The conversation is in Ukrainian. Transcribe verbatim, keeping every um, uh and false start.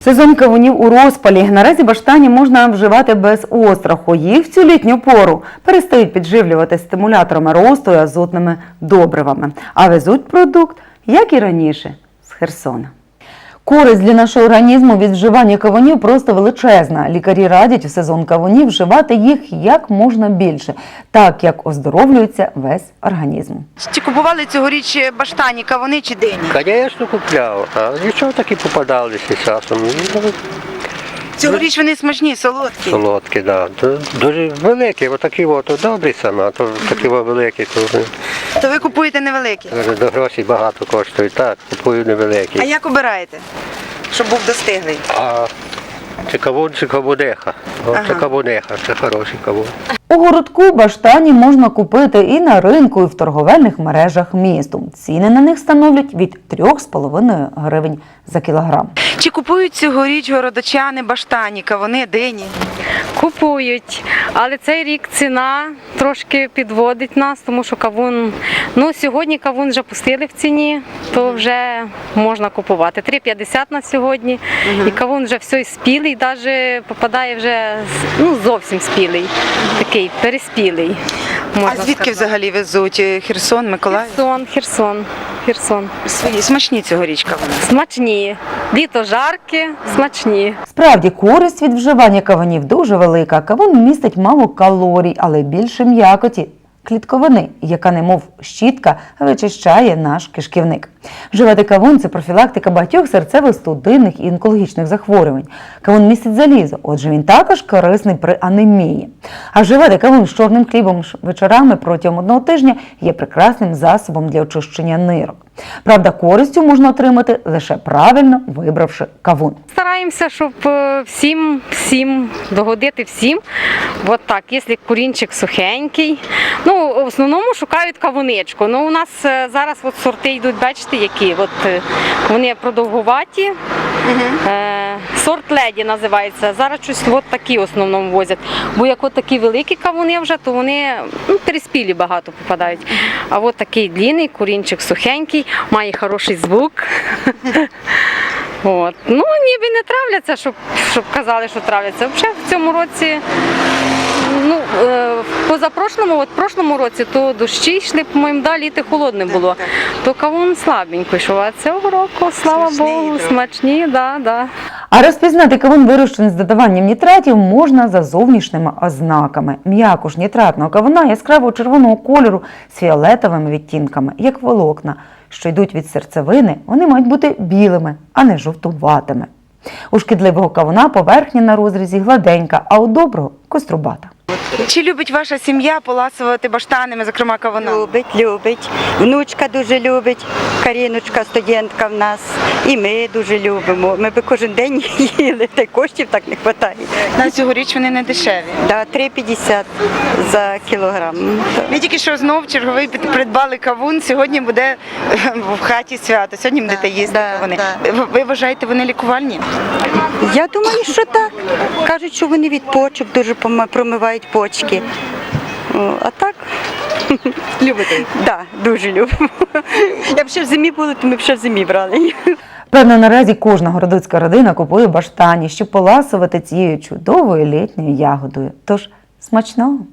Сезон кавунів у розпалі. Наразі баштані можна вживати без остраху. Їх в цю літню пору перестають підживлювати стимуляторами росту і азотними добривами. А везуть продукт, як і раніше, з Херсона. Користь для нашого організму від вживання кавунів просто величезна. Лікарі радять в сезон кавунів вживати їх як можна більше, так як оздоровлюється весь організм. Чи купували цьогоріч баштані, кавуни чи дині? Звісно, купляв, а нічого таки попадалися часом. Цьогоріч вони смачні, солодкі. Солодкі, так. Да. Дуже великі, отакі от добрі саме, а то такі великі. То, То ви купуєте невеликі? до грошей багато коштують, так, купую невеликі. А як обираєте, щоб був достиглий? А це кавун, це кавунеха. О, Ага. Це кавунеха, це хороший кавун. У городку баштані можна купити і на ринку, і в торговельних мережах місту. Ціни на них становлять від трьох з половиною гривень за кілограм. Чи купують цьогоріч городочани баштані, кавуни, дині? Купують, але цей рік ціна трошки підводить нас, тому що кавун, ну сьогодні кавун вже пустили в ціні, то вже можна купувати. три п'ятдесят на сьогодні, угу. І кавун вже все спілий, навіть попадає вже, ну зовсім спілий, такий переспілий. А звідки сказати. Взагалі везуть? Херсон, Миколаїв? Херсон, Херсон, Херсон. Свої смачні цьогоріч кавуни? Смачні. Літо жарке, смачні. Справді, користь від вживання кавунів дуже велика. Кавун містить мало калорій, але більше м'якоті, клітковини, яка немов щітка вичищає наш кишківник. Вживати кавун – це профілактика багатьох серцево-судинних і онкологічних захворювань. Кавун містить залізо, отже він також корисний при анемії. А вживати кавун з чорним хлібом вечорами протягом одного тижня є прекрасним засобом для очищення нирок. Правда, користю можна отримати лише правильно вибравши кавун. Стараємося, щоб всім, всім, догодити всім. От так, якщо курінчик сухенький. Ну, в основному шукають кавуничку. Ну, у нас зараз от сорти йдуть, бачите, які. От, вони продовгуваті. Угу. Е, сорт леді називається. Зараз щось от такі в основному возять. Бо як от такі великі кавуни вже, то вони ну, переспілі багато попадають. А от такий длинний, курінчик сухенький, має хороший звук. От. Ну, ніби не травляться, щоб, щоб казали, що травляться. Взагалі в цьому році, ну, е, позапрошлому, от в прошлому році, то дощі йшли, по-моєму, да, літо холодне було, то кавун слабенько йшов, а цього року, слава смачний, Богу, так. Смачні, да, да. А розпізнати кавун, вирощений з додаванням нітратів, можна за зовнішніми ознаками. М'якуш нітратного кавуна яскраво червоного кольору з фіолетовими відтінками, як волокна, що йдуть від серцевини, вони мають бути білими, а не жовтуватими. У шкідливого кавуна поверхня на розрізі гладенька, а у доброго – кострубата. Чи любить ваша сім'я поласувати баштанами, зокрема кавунами? Любить, любить. Внучка дуже любить, Каріночка, студентка в нас. І ми дуже любимо. Ми би кожен день їли, та й коштів так не вистачає. На цьогоріч вони не дешеві? Да, три п'ятдесят за кілограм. Ми тільки що знов черговий придбали кавун, сьогодні буде в хаті свято, сьогодні будете їсти да, кавуни. Да. Ви вважаєте, вони лікувальні? Я думаю, що так. Кажуть, що вони від почок дуже промивають почки. А так? Любите? Так, да, дуже любимо. Якб ще в зимі були, то ми б ще в зимі брали. Певно, наразі кожна городоцька родина купує баштані, щоб поласувати цією чудовою літньою ягодою. Тож, смачного!